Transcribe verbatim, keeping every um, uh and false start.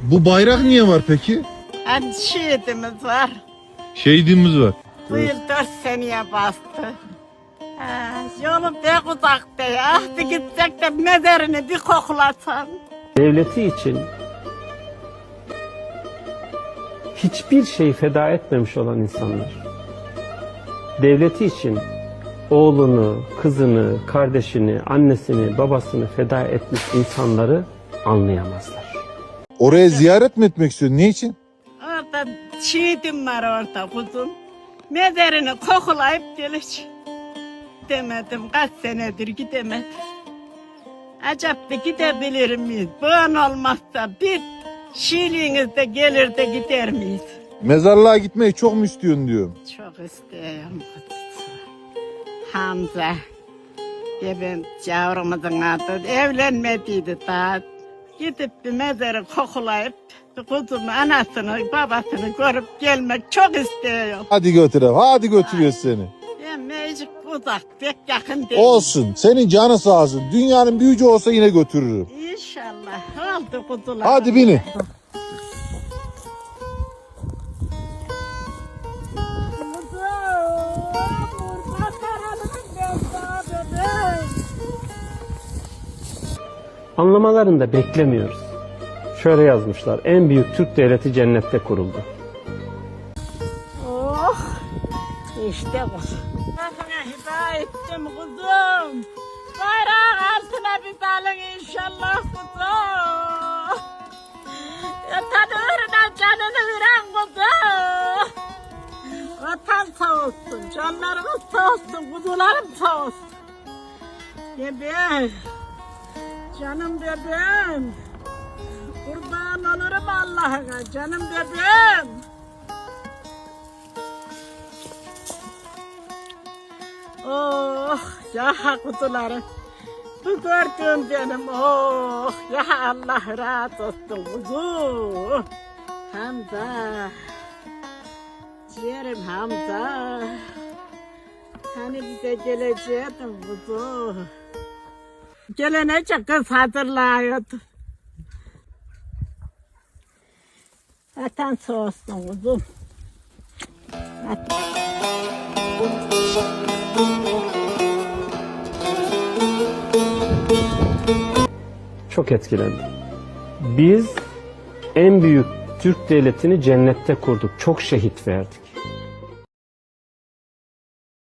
Bu bayrak niye var peki? Hadi şehidimiz var. Şehidimiz var. Bu yıl dört seneye bastı. Ha, yolum pek uzakta ya. Bir gitsek de mezarını bir koklasan. Devleti için hiçbir şey feda etmemiş olan insanlar, devleti için oğlunu, kızını, kardeşini, annesini, babasını feda etmiş insanları anlayamazlar. Oraya ziyaret mi etmek istiyorsun? Ne için? Orada şehidim var orada kuzum. Mezarını koklayıp gelir. Demedim kaç senedir gidemedim. Acaba gidebilir miyiz? Bugün olmazsa bir şiirliğinizde gelir de gider miyiz? Mezarlığa gitmeyi çok mu istiyorsun diyorum. Çok istiyorum. Hamza. Benim yavrumuzun adı evlenmediydi daha. Gidip bir mezarı kokulayıp kuzumu, anasını, babasını görüp gelmek çok istiyorum. Hadi götürelim. Hadi götürüyoruz seni. Ben mecik uzak, pek yakın değil. Olsun. Senin canı sağ olsun. Dünyanın büyücü olsa yine götürürüm. İnşallah. Oldu kuzular. Hadi binin. Anlamalarını da beklemiyoruz. Şöyle yazmışlar, en büyük Türk devleti cennette kuruldu. Oh, işte bu. Sana hidayet ettim kuzum. Bayrağın altına bir dalın inşallah kuzum. Vatan uğruna canını veren kuzum. Vatan sağ olsun, canlarımız sağ olsun, kuzularım sağ olsun. Bebeğim, canım bebeğim. Kurban olurum Allah'ına, canım bebeğim. Oh ya kuzularım, bu gördüğüm benim, oh ya Allah razı olsun kuzu. Hamza, ciğerim Hamza, hani bize geleceydin kuzu. Gelenece kız hazırlıyordu. Vatan sağ olsun kuzum. Çok etkilendim. Biz en büyük Türk devletini cennette kurduk. Çok şehit verdik.